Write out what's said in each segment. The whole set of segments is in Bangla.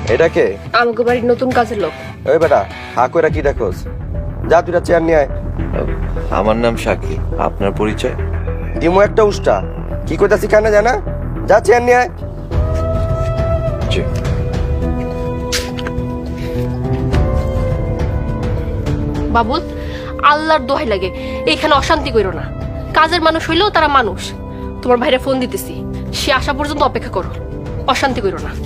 এটা কে? আমাকে বাড়ির নতুন কাজের লোক। ওই বেটা হা কইরা কি দেখোস? যা তুই চেয়ার নিয়ে আয়। আমার নাম শাকিল, আপনার পরিচয়? দিমু একটা উষ্টা, কি কইতাছি কানে জানা? যা চেয়ার নিয়ে আয়। জি। বাবুল, আল্লাহর দোহাই লাগে এখানে অশান্তি কইরো না। কাজের মানুষ হইলেও তারা মানুষ। তোমার ভাইরে ফোন দিতেছি, সে আসা পর্যন্ত অপেক্ষা করো, অশান্তি কইরো না।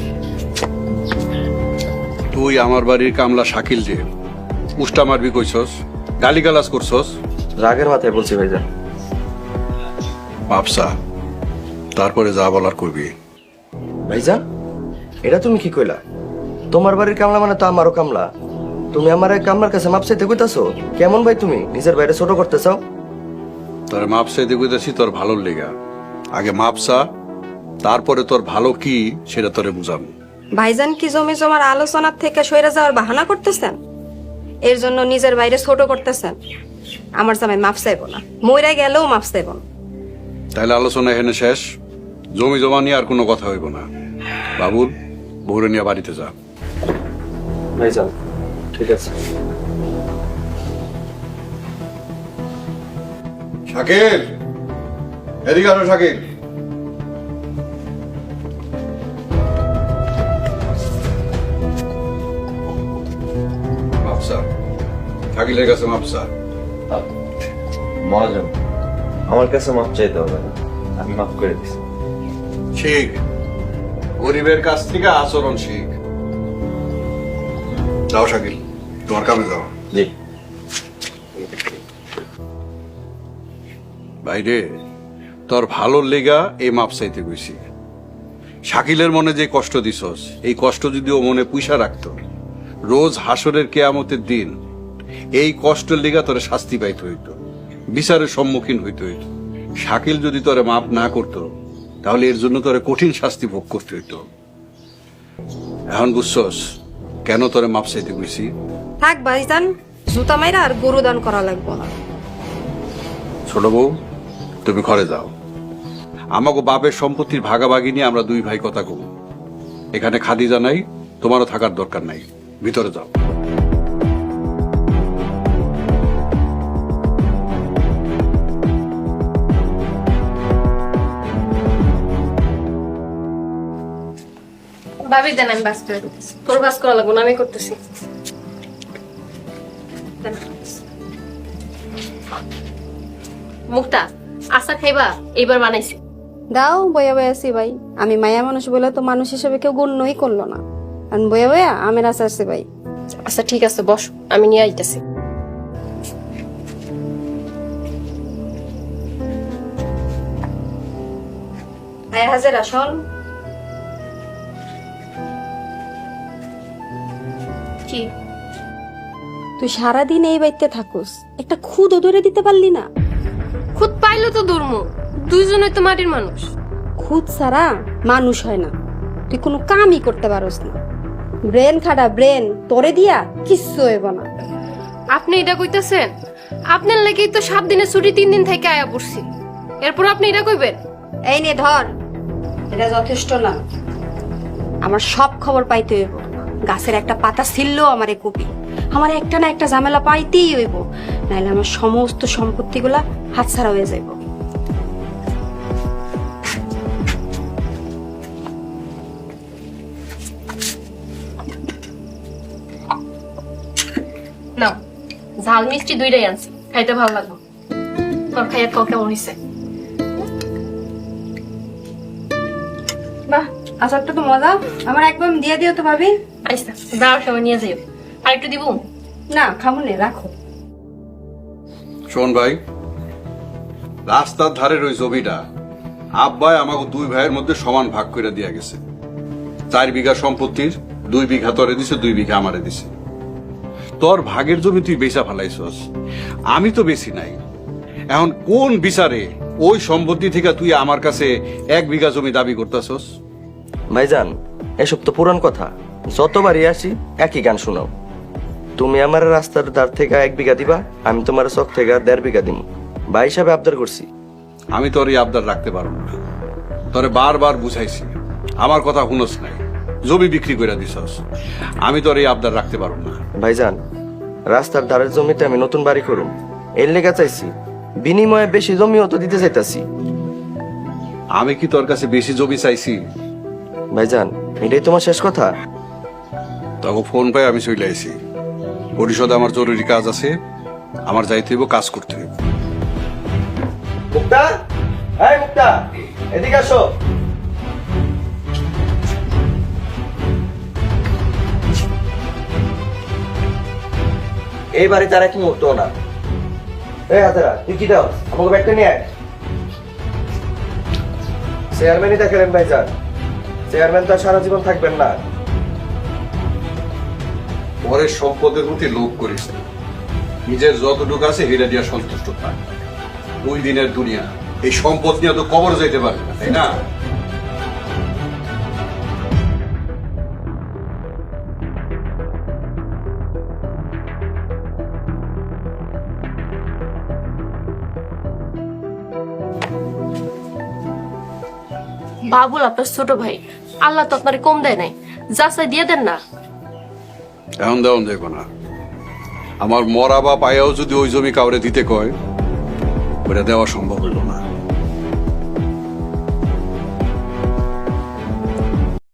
তুই আমার বাড়ির কামলা শাকিল যে উষ্টা মারবি কইছস, গালিগালাজ করছস? রাগের মাথায় বলছি ভাইজান। বাপসা, তারপরে যা বলার করবি। ভাইজান, এটা তুমি কি কইলা? তোমার বাড়ির কামলা মানে তো আমারও কামলা। তুমি আমার এই কামলার কাছে মাপ চাইতে কইতাছো? কেমন ভাই তুমি নিজের বাইরে ছোট করতে চাও? তোর মাপ চাইতে কইতাছি তোর ভালোর লেগা। আগে মাপসা, তারপরে তোর ভালো কি সেটা তোরে বুঝাবো। ভাইজান কি জমি জমার আলোচনার থেকে সইরা যাওয়ার বাহানা করতেছেন? এর জন্য নিজের বাইরে ছোট করতেছেন? আমার জামাই মাপ চাইব না, মইরা গেলেও মাপ চাইব না। তাইলে আলোচনা এখানে শেষ। জমি জমা নিয়ে আর কোনো কথা হইব না। বাবুল, বউরে নিয়ে বাড়িতে যা। ভাইজান ঠিক আছে। শাকিল, এদিকে আসো শাকিল। মাপসা, শাকিলের কাছে মাপসা। মহাজন, আমার কাছে মাপ চাইতে হবে না, আমি মাফ করে দিচ্ছি। শিখ, গরিবের কাছ থেকে আচরণ শিখ। যাও শাকিল, তোমার কামে যাও। জি। বাইরে তোর ভালোর লেগা এই মাপ চাইতে গেছি। শাকিলের মনে যে কষ্ট দিছস, এই কষ্ট যদি ও মনে পুইসা রাখত, রোজ হাসরের কেয়ামতের দিন এই কষ্টের লেগা তোরে শাস্তি পাইতে হইত, বিচারের সম্মুখীন হইতে হইত। শাকিল যদি তোরে মাপ না করত, তাহলে এর জন্য তোরে কঠিন শাস্তি ভোগ করতে হইত। এখন বুঝছস কেন তোরে মাপ চাইতে গেছি? থাক ভাইজান, জুতা মাইরা আর গরু দান করা লাগবো না। ছোট বউ, তুমি ঘরে যাও। আমাকে বাপের সম্পত্তির ভাগাভাগি নিয়ে আমরা দুই ভাই কথা কব। এখানে খাদিজা নাই, তোমারও থাকার দরকার নাই, ভিতরে যাও। ভাবি দেন, আমি বাস করে দিতেছি। তোর বাস করা লাগবো না, আমি করতেছি। দেন। মুক্তা, আশা খাইবা? এইবার বানাইছি। দাও, বয়া বয়া আছি ভাই। আমি মায়া মানুষ বলে তো মানুষ হিসেবে কেউ গণ্যই করলো না। আর বয়া বয়া আমের আশা আছে ভাই। আচ্ছা ঠিক আছে, বস, আমি নিয়ে আইতেছি। আয় হাজার আসল। কি তুই সারাদিন এই বাড়িতে থাকুস, একটা খুদও ধরে দিতে পারলি না? খুদ পাইলো তো দুর্ম, দুইজনে তো মাটির মানুষ। খুদ ছাড়া মানুষ হয় না। তুই কোনো কামই করতে পারস না। ব্রেন খাটা ব্রেন, তোরে দিয়া কিচ্ছু হইব না। আপনি এটা কইতেছেন? আপনার লাগেই তো 7 দিনের ছুটি 3 দিন থেকে আয়া পড়ছি, এরপর আপনি এটা কইবেন? এই নে ধর, এটা যথেষ্ট না। আমার সব খবর পাইতে হইব। গাছের একটা পাতা ছিললেও আমারে কপি। আমার একটা না একটা ঝামেলা পাইতেই হইব, নাহলে আমার সমস্ত সম্পত্তিগুলা হাতছাড়া হয়ে যাইব। না, ঝাল মিষ্টি দুইটাই আনছি, খাইতে ভালো লাগবে। তোর খাইয়া কও কেমন হইছে? বাহ, আচারটা তো মজা। আমার একদম দিয়ে দিও তো ভাবি। আচ্ছা, যাওয়ার সময় নিয়ে যাইও। আর একটু দিব? না, খাবো না, রাখো। শোন ভাই, রাস্তার ধারের ওই জমিটা আব্বাই আমাকে দুই ভাইয়ের মধ্যে সমান ভাগ করে দিয়া গেছে। 4 বিঘা সম্পত্তির 2 বিঘা তোরে দিছে, 2 বিঘা আমারে দিছে। তোর ভাগের জমি তুই বেচা ফেলাইছস, আমি তো বেশি নাই। এখন কোন বিচারে ওই সম্পত্তি থেকে তুই আমার কাছে 1 বিঘা জমি দাবি করতেছস? ভাইজান এসব তো পুরান কথা, যতবারই আসি একই গান শোনাও। তুমি আমার রাস্তার ধার থেকে 1 বিঘা দিবা, আমি তোমার চক থেকে 1.5 বিঘা দিব। ভাই হিসাবে আবদার করছি। আমি তোর এই আবদার রাখতে পারবো না। তোরে বারবার বুঝাইছি, আমার কথা শুনস নাই। জমি বিক্রি করে দিছস। আমি তো আর এই আবদার রাখতে পারব না। ভাইজান, রাস্তার ধারের জমিতে আমি নতুন বাড়ি করুম, এর লেগে চাইছি। বিনিময়ে বেশি জমিও তো দিতে চাইতাছি। আমি কি তোর কাছে বেশি জমি চাইছি? ভাইজান, এটাই তোমার শেষ কথা? তখন ফোন পাই আমি চলে আইছি। পরিষদে আমার জরুরি কাজ আছে, আমার যাইতে হইব, কাজ করতে হইব। মুক্তা, এই মুক্তা, এদিকে আসো। এই বাড়িতে আর এক মুহূর্ত না। এই হাতেরা, তুই কি দাও? আমাকে ব্যাগটা নিয়ে আয়। চেয়ারম্যানই দেখেন ভাইজান, চেয়ারম্যান তো আর সারা জীবন থাকবেন না। পরের সম্পদের প্রতি লোভ করিস না। নিজের যতটুকু আছে হেরে দিয়া সন্তুষ্ট থাক। 2 দিনের দুনিয়া, এই সম্পদ নিয়ে তো কবর যাইতে পারবে না, তাই না? বাবুল আপনার ছোট ভাই, আল্লাহ তো আপনার কম দেয় নাই, যা চাই দিয়ে দেন না। এখন দেওয়ান দেখো না। আমার মরা বা পায়াও যদি ওই জমি কাউরে দিতে কয়, ওটা দেওয়া সম্ভব হইল না।